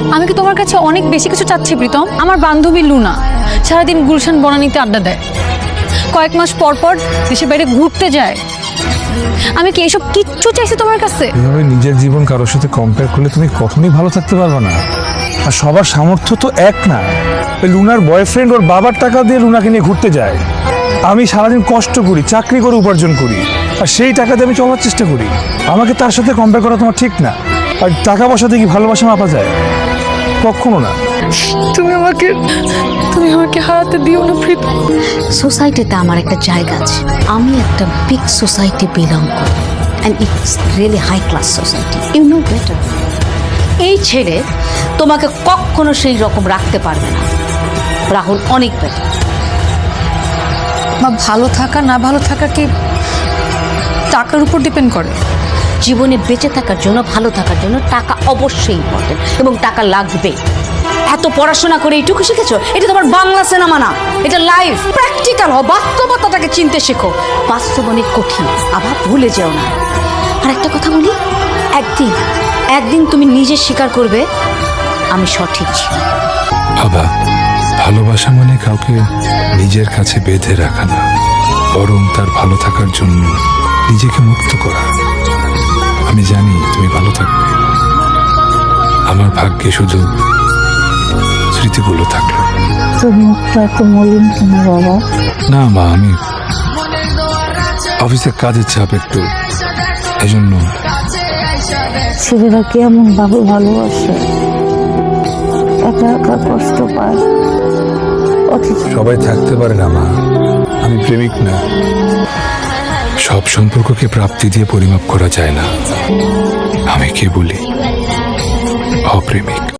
আমি কি তোমার কাছে অনেক বেশি কিছু চাচ্ছি প্রীতম? আমার বান্ধবী লুনা সারাদিন গুলশান বনানীতে আড্ডা দেয়, কয়েক মাস পর পর দেশের বাইরে ঘুরতে যায়। আমি কি এসব কিচ্ছু চাইছি তোমার কাছে? এভাবে নিজের জীবন কারোর সাথে কম্পেয়ার করলে তুমি কখনোই ভালো থাকতে পারবে না। আর সবার সামর্থ্য তো এক না। ওই লুনার বয়ফ্রেন্ড ওর বাবার টাকা দিয়ে লুনাকে নিয়ে ঘুরতে যায়, আমি সারাদিন কষ্ট করি, চাকরি করে উপার্জন করি, আর সেই টাকা দিয়ে আমি চলার চেষ্টা করি। আমাকে তার সাথে কম্পেয়ার করা তোমার ঠিক না। আর টাকা পয়সাতে কি ভালোবাসা মাপা যায়? কখনো না। তুমি আমাকে হারাতে দিও না প্রীতম। সোসাইটিতে আমার একটা জায়গা আছে, আমি একটা বিগ সোসাইটি বিলং করি, and it's really high class society, you know better. এই ছেলে তোমাকে কখনো সেই রকম রাখতে পারবে না। রাহুল অনেক বেটার। মা, ভালো থাকা না ভালো থাকা কি টাকার উপর ডিপেন্ড করে? জীবনে বেঁচে থাকার জন্য, ভালো থাকার জন্য টাকা অবশ্যই ইম্পর্টেন্ট, এবং টাকা লাগবে। এত পড়াশোনা করে এইটুকু শিখেছো, এটা তোমার বাংলা সিনেমা না, এটা লাইফ। প্র্যাকটিক্যাল হও, বাস্তবতাটাকে চিনতে শেখো। বাস্তব অনেক কঠিন, আবার ভুলে যেও না। আর একটা কথা বলি, একদিন তুমি নিজে স্বীকার করবে আমি সঠিক ছিলাম। বাবা, ভালোবাসা মানে কাউকে নিজের কাছে বেঁধে রাখা না, বরং তার ভালো থাকার জন্য নিজেকে মুক্ত করা। আমি জানি তুমি ভালো থাকবে, আমার ভাগ্যে শুধু স্মৃতিগুলো থাকলো। তোর মুখটা এত মলিন কেন বাবা? না মা, আমি অফিসে কাজের চাপ একটু, এজন্য। ছেলেরা কেমন ভাবে ভালোবাসে, একা একা কষ্ট পায়। অথচ সবাই থাকতে পারে না মা, আমি প্রেমিক না। সব সম্পর্ককে প্রাপ্তি দিয়ে পরিমাপ করা যায় না। আমি কে বলি? অপ্রেমিক।